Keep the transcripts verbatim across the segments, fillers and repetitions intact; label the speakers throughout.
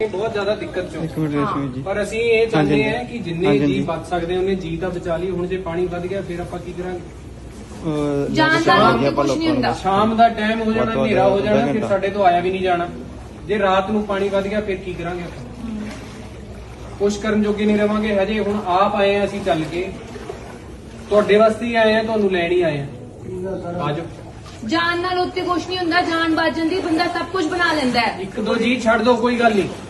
Speaker 1: बहुत ज्यादा दिक्कत चो।
Speaker 2: एक मिनट रेशमी जी
Speaker 1: पर ਅਸੀਂ ਇਹ ਚਾਹੁੰਦੇ
Speaker 2: हाँ जी,
Speaker 1: ਹਾਂ ਕਿ ਜਿੰਨੇ
Speaker 2: हाँ जी,
Speaker 1: ਜੀ
Speaker 2: हाँ
Speaker 1: ਬਚ ਸਕਦੇ ਉਹਨੇ ਜੀ ਤਾਂ ਬਚਾ ਲਈ। ਹੁਣ ਜੇ ਪਾਣੀ ਵੱਧ ਗਿਆ ਫਿਰ ਆਪਾਂ ਕੀ ਕਰਾਂਗੇ?
Speaker 2: ਅਹ
Speaker 3: ਜਾਣ ਦਾ
Speaker 2: ਸ਼ਾਮ
Speaker 3: ਲੋਕ
Speaker 2: ਦੀ ਆਪਾਂ
Speaker 3: ਕੁਛ ਨਹੀਂ
Speaker 2: ਲੋਕਾਂ ਨੂੰ
Speaker 3: ਹੁੰਦਾ।
Speaker 1: ਸ਼ਾਮ ਦਾ ਟਾਈਮ ਹੋ ਜਾਣਾ,
Speaker 2: ਵੱਧ ਤੋਂ ਵੱਧ
Speaker 1: ਹਨੇਰਾ ਹੋ ਜਾਣਾ,
Speaker 2: ਅੱਧਾ
Speaker 1: ਫਿਰ
Speaker 2: ਘੰਟਾ।
Speaker 1: ਸਾਡੇ ਤੋਂ ਆਇਆ ਵੀ ਨਹੀਂ ਜਾਣਾ। ਜੇ ਰਾਤ ਨੂੰ ਪਾਣੀ ਵੱਧ ਗਿਆ ਫਿਰ ਕੀ ਕਰਾਂਗੇ ਆਪਾਂ? ਕੁਛ ਕਰਨ ਜੋਗੇ ਨਹੀਂ ਰਵਾਂਗੇ। ਹਜੇ ਹੁਣ ਆਪ ਆਏ ਆ ਅਸੀਂ ਚੱਲ ਕੇ, ਤੁਹਾਡੇ ਵਾਸਤੇ ਹੀ ਆਏ ਆ, ਤੁਹਾਨੂੰ ਲੈਣ ਹੀ ਆਏ ਆ। ਆਜੋ।
Speaker 3: ਜਾਨ ਨਾਲ ਉੱਤੇ ਕੁਛ ਨਹੀਂ ਹੁੰਦਾ, ਜਾਨ ਬਚ ਜਾਂਦੀ, ਬੰਦਾ ਸਭ ਕੁਝ ਬਣਾ ਲੈਂਦਾ ਹੈ।
Speaker 1: ਇੱਕ ਦੋ ਜੀ ਛੱਡ ਦੋ, ਕੋਈ ਗੱਲ ਨਹੀਂ,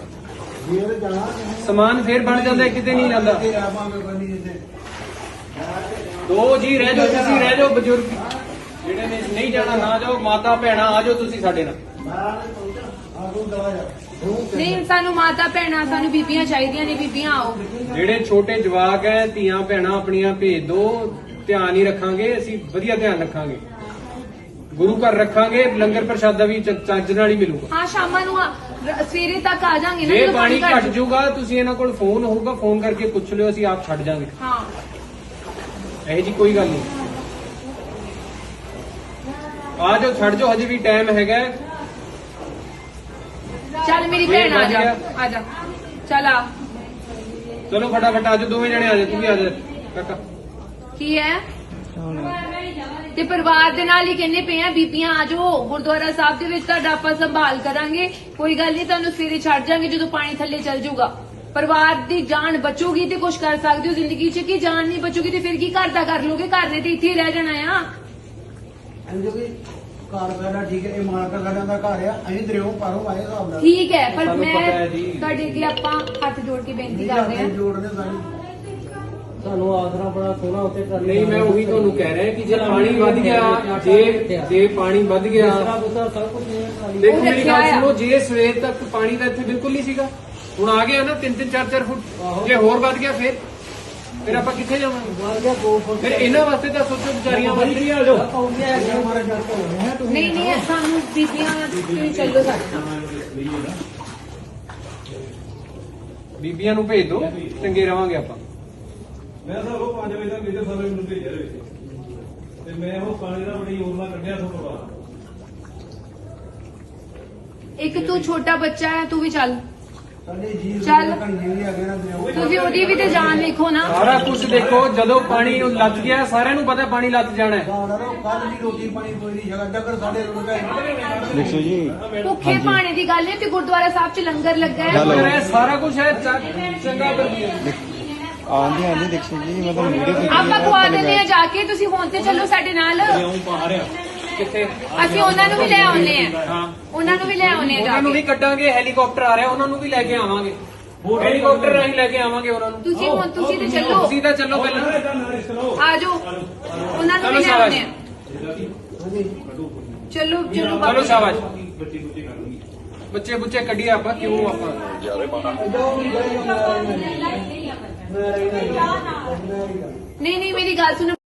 Speaker 1: ਸਮਾਨ ਫੇਰ ਬਣ ਜਾਂਦਾ, ਕਿਤੇ ਨਹੀਂ ਜਾਂਦਾ। ਦੋ ਜੀ ਰਹਿ ਜਾਓ, ਤੁਸੀਂ ਰਹਿ ਜਾਓ, ਬਜ਼ੁਰਗ ਜਿਹੜੇ ਨੇ ਨਹੀਂ ਜਾਣਾ ਨਾ ਜਾਓ, ਮਾਤਾ ਭੈਣਾਂ ਆ ਜਾਓ ਤੁਸੀਂ ਸਾਡੇ ਨਾਲ।
Speaker 3: ਨਹੀਂ, ਸਾਨੂੰ ਮਾਤਾ ਭੈਣਾਂ, ਸਾਨੂੰ ਬੀਬੀਆਂ ਚਾਹੀਦੀਆਂ ਨੇ, ਬੀਬੀਆਂ ਆਓ।
Speaker 1: ਜਿਹੜੇ ਛੋਟੇ ਜਵਾਕ ਹੈ, ਧੀਆਂ ਭੈਣਾਂ ਆਪਣੀਆਂ ਭੇਜ ਦੋ, ਧਿਆਨ ਹੀ ਰੱਖਾਂਗੇ ਅਸੀਂ, ਵਧੀਆ ਧਿਆਨ ਰੱਖਾਂਗੇ, ਗੁਰੂ ਘਰ ਰੱਖਾਂਗੇ, ਲੰਗਰ ਪ੍ਰਸ਼ਾਦਾ ਵੀ ਚ- ਚੱਜ ਨਾਲ ਹੀ ਮਿਲੂਗਾ।
Speaker 3: ਹਾਂ, ਸ਼ਾਮਾਂ ਨੂੰ ਆ- ਰ- ਸਵੇਰੇ ਤੱਕ ਆ ਜਾਾਂਗੇ ਨਾ।
Speaker 1: ਜੇ
Speaker 3: ਜਦੋਂ
Speaker 1: ਪਾਣੀ
Speaker 3: ਘੱਟ
Speaker 1: ਘਟ ਜਾਊਗਾ ਤੁਸੀਂ ਇਹਨਾਂ ਕੋਲ ਫੋਨ ਹੋਊਗਾ, ਫੋਨ ਕਰਕੇ ਪੁੱਛ ਲਿਓ, ਅਸੀਂ ਆਪ ਛੱਡ ਜਾਾਂਗੇ।
Speaker 3: ਹਾਂ,
Speaker 1: ਇਹੋ ਜੀ ਕੋਈ ਗੱਲ ਨਹੀਂ। ਆ ਜਾਓ, ਛੱਡ ਜਾਓ, ਹਜੇ ਵੀ ਟਾਈਮ ਹੈਗਾ।
Speaker 3: ਚੱਲ ਮੇਰੀ
Speaker 1: ਫੇਰ
Speaker 3: ਭੈਣ ਆ ਜਾ,
Speaker 1: ਵਧੀਆ।
Speaker 3: ਆ ਜਾ, ਚੱਲ ਆ।
Speaker 1: ਚਲੋ ਫਟਾਫਟ ਆ ਜਾਓ, ਦੋਵੇਂ ਜਣੇ ਆ ਜਾਓ, ਤੂੰ ਵੀ ਆ ਜਾ ਕਾਕਾ।
Speaker 3: ਕੀ ਹੈ? ਤੇ ਪਰਿਵਾਰ ਦੇ ਨਾਲ ਹੀ ਕਹਿੰਦੇ ਪਏ ਆ, ਬੀਬੀਆਂ ਆ ਜਾਓ, ਗੁਰਦੁਆਰਾ ਸਾਹਿਬ ਦੇ ਵਿੱਚ ਤੁਹਾਡਾ ਆਪਾਂ ਸੰਭਾਲ ਕਰਾਂਗੇ, ਕੋਈ ਗੱਲ ਨਹੀਂ, ਤੁਹਾਨੂੰ ਸਵੇਰੇ ਛੱਡ ਜਾਾਂਗੇ ਜਦੋਂ ਪਾਣੀ ਥੱਲੇ ਚੱਲ ਜਾਊਗਾ। ਪਰਿਵਾਰ ਦੀ ਜਾਨ ਬਚੂਗੀ ਤੇ ਕੁਝ ਕਰ ਸਕਦੇ ਹੋ ਜ਼ਿੰਦਗੀ 'ਚ, ਕਿ ਜਾਨ ਨਹੀਂ ਬਚੂਗੀ ਤੇ ਫਿਰ ਕੀ ਘਰ ਦਾ ਕਰ ਲੋਗੇ? ਘਰ ਨੇ ਤੇ ਇੱਥੇ ਹੀ ਰਹਿ ਜਾਣਾ ਆ।
Speaker 4: ਘਰ ਸਾਡਾ ਠੀਕ ਹੈ, ਇਹ ਮਾਲਕਾ ਸਾਡਾ ਦਾ ਘਰ ਆ, ਅਸੀਂ ਦਰਿਓ ਪਾਰੋਂ ਆਏ ਹਿਸਾਬ ਨਾਲ।
Speaker 3: ਠੀਕ ਹੈ, ਪਰ
Speaker 1: ਸਾਨੂੰ
Speaker 3: ਮੈਂ
Speaker 1: ਪਤਾ ਹੈ ਜੀ।
Speaker 3: ਤੁਹਾਡੇ ਅੱਗੇ ਆਪਾਂ ਹੱਥ ਜੋੜ ਕੇ ਬੇਨਤੀ
Speaker 4: ਨਹੀਂ
Speaker 3: ਕਰਦੇ
Speaker 4: ਕਰਦੇ
Speaker 3: ਹਾਂ।
Speaker 4: ਜੋੜਨੇ ਸਾਡੀ
Speaker 5: ਸਾਨੂੰ ਆਸਰਾ ਬੜਾ ਸੋਹਣਾ ਉੱਤੇ ਕਰ
Speaker 1: ਨਹੀਂ, ਮੈਂ ਉਹੀ ਤੁਹਾਨੂੰ ਕਹਿ ਰਿਹਾ ਕਿ ਜੇ ਪਾਣੀ ਵੱਧ ਗਿਆ, ਜੇ ਜੇ ਪਾਣੀ ਵੱਧ ਗਿਆ,
Speaker 5: ਆਸਰਾ ਬੁਸਰਾ ਸਭ ਕੁਝ ਨਹੀਂ।
Speaker 1: ਦੇਖੋ ਮੇਰੀ ਗੱਲ
Speaker 3: ਰੱਖਿਆ ਆ।
Speaker 1: ਸੁਣੋ, ਜੇ ਸਵੇਰ ਤੱਕ ਪਾਣੀ ਦਾ ਇੱਥੇ ਬਿਲਕੁਲ ਨਹੀਂ ਸੀਗਾ, ਹੁਣ ਆ ਗਿਆ ਨਾ ਤਿੰਨ ਤਿੰਨ ਚਾਰ ਚਾਰ ਫੁੱਟ, ਜੇ ਹੋਰ ਵੱਧ ਗਿਆ ਫਿਰ ਫਿਰ ਆਪਾਂ ਕਿੱਥੇ ਜਾਵਾਂਗੇ?
Speaker 5: ਵੱਧ ਗਿਆ ਦੋ ਫੁੱਟ।
Speaker 1: ਫਿਰ ਇਹਨਾਂ ਵਾਸਤੇ ਤਾਂ ਸੋਚੋ, ਵਿਚਾਰੀਆਂ ਵਾਸਤੇ ਆ ਜਾਓ।
Speaker 4: ਹਮਾਰੇ ਜੱਟ ਹੋ ਰਹੇ ਹੈ ਤੁਸੀਂ
Speaker 3: ਨਹੀਂ ਨਹੀਂ, ਸਾਨੂੰ ਬੀਬੀਆਂ ਤੁਸੀਂ ਚੱਲੋ ਸਾਡੇ ਨਾਲ।
Speaker 1: ਬੀਬੀਆਂ ਨੂੰ ਭੇਜ ਦਿਓ, ਚੰਗੇ ਰਵਾਂਗੇ ਆਪਾਂ।
Speaker 6: ਮੈਂ ਤਾਂ ਉਹ ਪੰਜ ਵਜੇ ਤੱਕ ਮੇਰੇ ਸਾਰੇ ਮੈਨੂੰ ਭੇਜਿਆ ਰਹੇ ਤੇ ਮੈਂ ਉਹ ਪਾਣੀ ਦਾ ਬੜੀ ਯੋਜਨਾ ਕੱਢਿਆ ਤੋਂ ਬਾਅਦ।
Speaker 3: ਇੱਕ ਤੂੰ ਛੋਟਾ ਬੱਚਾ ਹੈ, ਤੂੰ ਵੀ ਚੱਲ।
Speaker 4: ਸਾਡੇ ਜੀ
Speaker 3: ਚੱਲ।
Speaker 4: ਕਣੀਆਂ ਵੀ ਆ ਗਏ ਨਾ ਦਰਿਓ।
Speaker 3: ਤੁਸੀਂ ਉਹਦੀ ਵੀ ਤੇ ਜਾਨ ਵੇਖੋ ਨਾ।
Speaker 1: ਸਾਰਾ ਕੁਝ ਦੇਖੋ, ਜਦੋਂ ਪਾਣੀ ਨੂੰ ਲੱਗ ਗਿਆ, ਸਾਰਿਆਂ ਨੂੰ ਪਤਾ ਪਾਣੀ ਲੱਗ ਜਾਣਾ ਹੈ।
Speaker 4: ਕੱਲ ਦੀ ਰੋਟੀ ਪਾਣੀ ਕੋਈ ਨਹੀਂ ਜਗਾ ਚੱਕਰ ਸਾਡੇ ਕੋਲ
Speaker 2: ਦੇਖੋ ਜੀ
Speaker 3: ਭੁੱਖੇ ਪਾਣੀ ਦੀ ਗੱਲ ਹੈ ਤੇ ਗੁਰਦੁਆਰਾ ਸਾਹਿਬ 'ਚ ਲੰਗਰ ਲੱਗਾ ਹੈ।
Speaker 2: ਹੈਲੋ।
Speaker 1: ਇਹ ਸਾਰਾ ਕੁਝ ਹੈ, ਚ- ਚੰਗਾ ਵਧੀਆ।
Speaker 2: ਆਂਦੀ ਆਂਦੀ ਦੇਖੋ ਜੀ ਮੈਂ ਤੁਹਾਨੂੰ ਵੀਡੀਓ
Speaker 3: ਆਪਾਂ ਖਵਾ ਦਿੰਦੇ ਆ ਜਾ ਕੇ, ਤੁਸੀਂ ਹੁਣ ਤੇ ਚੱਲੋ ਸਾਡੇ ਨਾਲ।
Speaker 1: ਕਿੱਥੇ?
Speaker 3: ਅਸੀਂ ਉਹਨਾਂ ਨੂੰ ਵੀ ਲੈ ਆਉਨੇ ਆ,
Speaker 1: ਹਾਂ,
Speaker 3: ਉਹਨਾਂ ਨੂੰ ਵੀ ਲੈ ਆਉਨੇ ਆ ਜਾ
Speaker 1: ਉਹਨਾਂ ਨੂੰ ਵੀ
Speaker 3: ਕੇ।
Speaker 1: ਕੱਢਾਂਗੇ, ਹੈਲੀਕਾਪਟਰ ਆ ਰਿਹਾ, ਉਹਨਾਂ ਨੂੰ ਵੀ ਲੈ ਕੇ ਆਵਾਂਗੇ, ਹੈਲੀਕਾਪਟਰ ਰਾਹੀਂ ਲੈ ਕੇ ਆਵਾਂਗੇ ਉਹਨਾਂ ਨੂੰ।
Speaker 3: ਤੁਸੀਂ ਹੁਣ ਤੁਸੀਂ ਤੇ ਚੱਲੋ,
Speaker 1: ਤੁਸੀਂ ਤਾਂ ਚੱਲੋ ਪਹਿਲਾਂ।
Speaker 3: ਆ ਜਾਓ, ਉਹਨਾਂ ਨੂੰ
Speaker 1: ਚਲੋ
Speaker 3: ਵੀ ਲੈ
Speaker 1: ਸ਼ਾਬਾਸ਼।
Speaker 3: ਆਉਨੇ ਆ। ਚਲੋ ਚਲੋ
Speaker 1: ਚਲੋ
Speaker 3: ਬਾਬਾ।
Speaker 1: ਸ਼ਾਬਾਸ਼। ਬੱਚੇ ਬੁੱਚੇ ਕੱਢੀਏ ਆਪਾਂ, ਕਿਉਂ ਆਪਾਂ
Speaker 3: ਨਹੀਂ ਨਹੀਂ, ਮੇਰੀ ਗੱਲ ਸੁਣੋ।